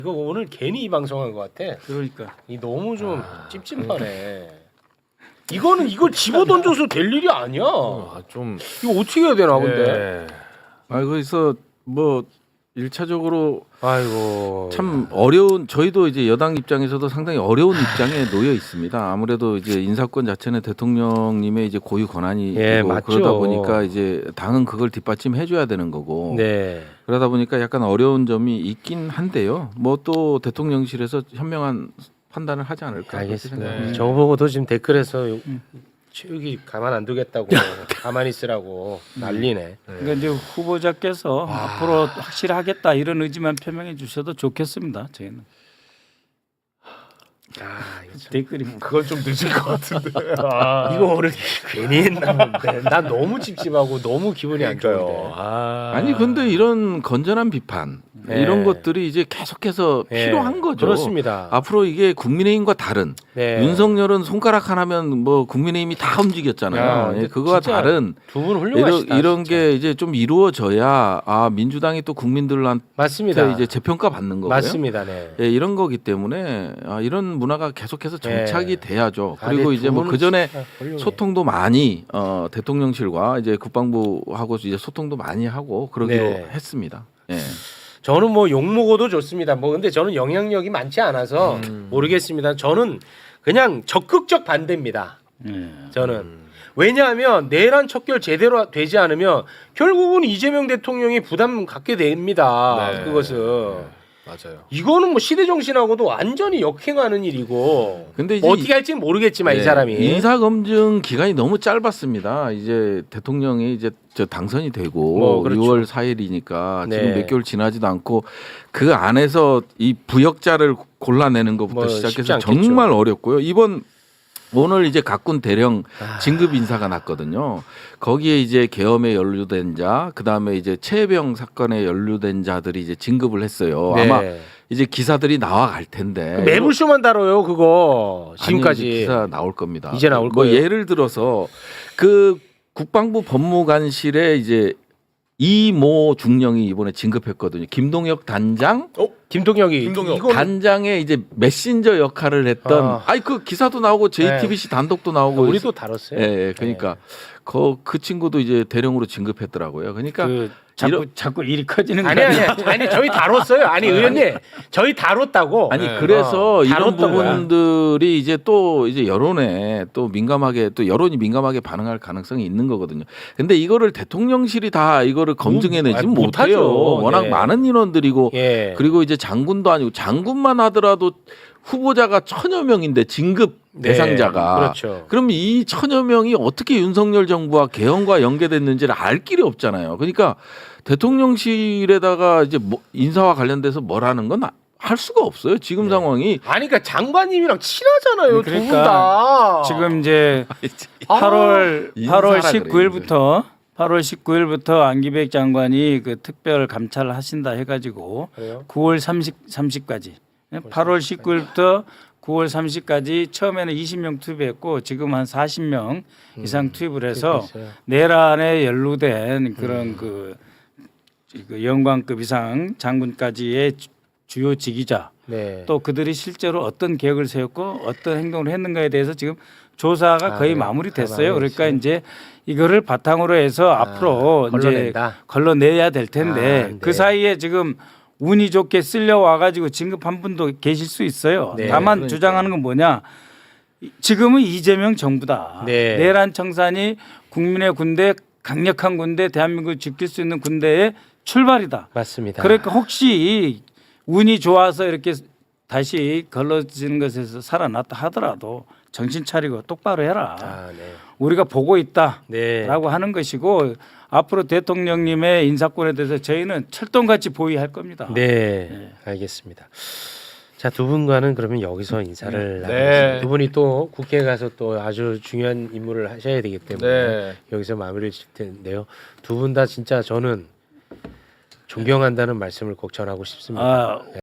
이거 오늘 괜히 이 방송한 것 같아. 그러니까 이 너무 좀 찝찝하네. 이거는 이걸 집어 던져서 될 일이 아니야. 좀 이거 어떻게 해야 되나 근데. 그래서 뭐 1차적으로 아이고. 참 어려운 저희도 이제 여당 입장에서도 상당히 어려운 입장에 놓여 있습니다. 아무래도 이제 인사권 자체는 대통령님의 이제 고유 권한이 예, 있고 맞죠. 그러다 보니까 이제 당은 그걸 뒷받침해 줘야 되는 거고. 네. 그러다 보니까 약간 어려운 점이 있긴 한데요. 뭐 또 대통령실에서 현명한 판단을 하지 않을까. 알겠습니다. 그렇게 생각합니다. 저거 보고도 지금 댓글에서 체육이 가만 안 두겠다고 가만히 있으라고 난리네. 그러니까 이제 후보자께서 앞으로 확실하겠다 이런 의지만 표명해 주셔도 좋겠습니다. 저희는 이거 참- 댓글이 뭐 그건 좀 늦은 것 같은데. 이거 오늘 괜히 했나 본데. 난 너무 찝찝하고 너무 기분이 안 좋은데. 아니 근데 이런 건전한 비판 네. 이런 것들이 이제 계속해서 네. 필요한 거죠. 그렇습니다. 앞으로 이게 국민의힘과 다른 네. 윤석열은 손가락 하나면 뭐 국민의힘이 다 움직였잖아요. 야, 예, 근데 그거와 진짜 다른 두 분 훌륭하시다. 이런 진짜. 게 이제 좀 이루어져야 민주당이 또 국민들한테 맞습니다. 이제 재평가 받는 거고요. 맞습니다. 네. 예, 이런 거기 때문에 이런 문화가 계속해서 정착이 네. 돼야죠. 아, 그리고 근데 이제 두 뭐 분은 그 전에 진짜 훌륭해. 소통도 많이 대통령실과 이제 국방부하고 이제 소통도 많이 하고 그러기로 네. 했습니다. 예. 저는 뭐 욕 먹어도 좋습니다. 뭐 근데 저는 영향력이 많지 않아서 모르겠습니다. 저는 그냥 적극적 반대입니다. 저는 왜냐하면 내란 척결 제대로 되지 않으면 결국은 이재명 대통령이 부담 갖게 됩니다. 네. 그것은 맞아요. 이거는 뭐 시대 정신하고도 완전히 역행하는 일이고. 근데 이제 뭐 어떻게 할지는 모르겠지만 이 네, 사람이 인사 검증 기간이 너무 짧았습니다. 이제 대통령이 이제 당선이 되고 뭐 그렇죠. 6월 4일이니까 네. 지금 몇 개월 지나지도 않고 그 안에서 이 부역자를 골라내는 것부터 뭐 쉽지 시작해서 않겠죠. 정말 어렵고요. 오늘 이제 각군 대령 진급 인사가 났거든요. 거기에 이제 계엄에 연루된 자, 그 다음에 이제 최혜병 사건에 연루된 자들이 이제 진급을 했어요. 네. 아마 이제 기사들이 나와갈 텐데. 매불쇼만 다뤄요 그거 지금까지. 아니, 이제 기사 나올 겁니다. 이제 나올 뭐 거예요? 예를 들어서 그 국방부 법무관실에 이제 이모 중령이 이번에 진급했거든요. 김동혁 단장 김동혁이 김동혁. 이거 단장의 이제 메신저 역할을 했던 그 기사도 나오고 JTBC 단독도 나오고 우리도 다뤘어요. 예, 그러니까 그 친구도 이제 대령으로 진급했더라고요. 그러니까 그 자꾸 일이 커지는 아니 거 아니 아니 저희 다뤘어요. 아니 의원님 저희 다뤘다고. 아니 네. 그래서 이런 다뤘던 거야. 부분들이 이제 또 이제 여론에 또 민감하게 또 여론이 민감하게 반응할 가능성이 있는 거거든요. 근데 이거를 대통령실이 다 이거를 검증해내지 아니, 못해요. 못하죠. 워낙 네. 많은 인원들이고 예. 그리고 이제 장군도 아니고 장군만 하더라도 후보자가 1000여 명인데 진급 네, 대상자가 그렇죠. 그럼 이 1000여 명이 어떻게 윤석열 정부와 개헌과 연계됐는지를 알 길이 없잖아요. 그러니까 대통령실에다가 이제 인사와 관련돼서 뭐라는 건 할 수가 없어요. 지금 상황이 아니 그러니까 장관님이랑 친하잖아요. 두 분 그러니까 다. 지금 이제 아, 8월 인사라 19일부터 8월 19일부터 안기백 장관이 그 특별 감찰을 하신다 해가지고 그래요? 9월 30까지 8월 19일부터 9월 30까지 처음에는 20명 투입했고 지금 한 40명 이상 투입을 해서 있어요. 내란에 연루된 그런 그 영광급 이상 장군까지의 주요 지휘자 네. 또 그들이 실제로 어떤 계획을 세웠고 어떤 행동을 했는가에 대해서 지금 조사가 거의 그래요? 마무리됐어요. 마무리 그러니까 됐어요? 이제 이거를 바탕으로 해서 앞으로 이제 걸러낸다. 걸러내야 될 텐데 네. 그 사이에 지금 운이 좋게 쓸려와 가지고 진급한 분도 계실 수 있어요. 네, 다만 그러니까요. 주장하는 건 뭐냐? 지금은 이재명 정부다. 네. 내란 청산이 국민의 군대 강력한 군대 대한민국을 지킬 수 있는 군대의 출발이다. 맞습니다. 그러니까 혹시 운이 좋아서 이렇게 다시 걸러지는 것에서 살아났다 하더라도 정신 차리고 똑바로 해라. 네. 우리가 보고 있다라고 네. 하는 것이고 앞으로 대통령님의 인사권에 대해서 저희는 철동같이 보위할 겁니다. 네. 알겠습니다. 자, 두 분과는 그러면 여기서 인사를 네. 나누겠습니다. 두 분이 또 국회에 가서 또 아주 중요한 임무를 하셔야 되기 때문에 네. 여기서 마무리를 질 텐데요. 두 분 다 진짜 저는 존경한다는 말씀을 꼭 전하고 싶습니다.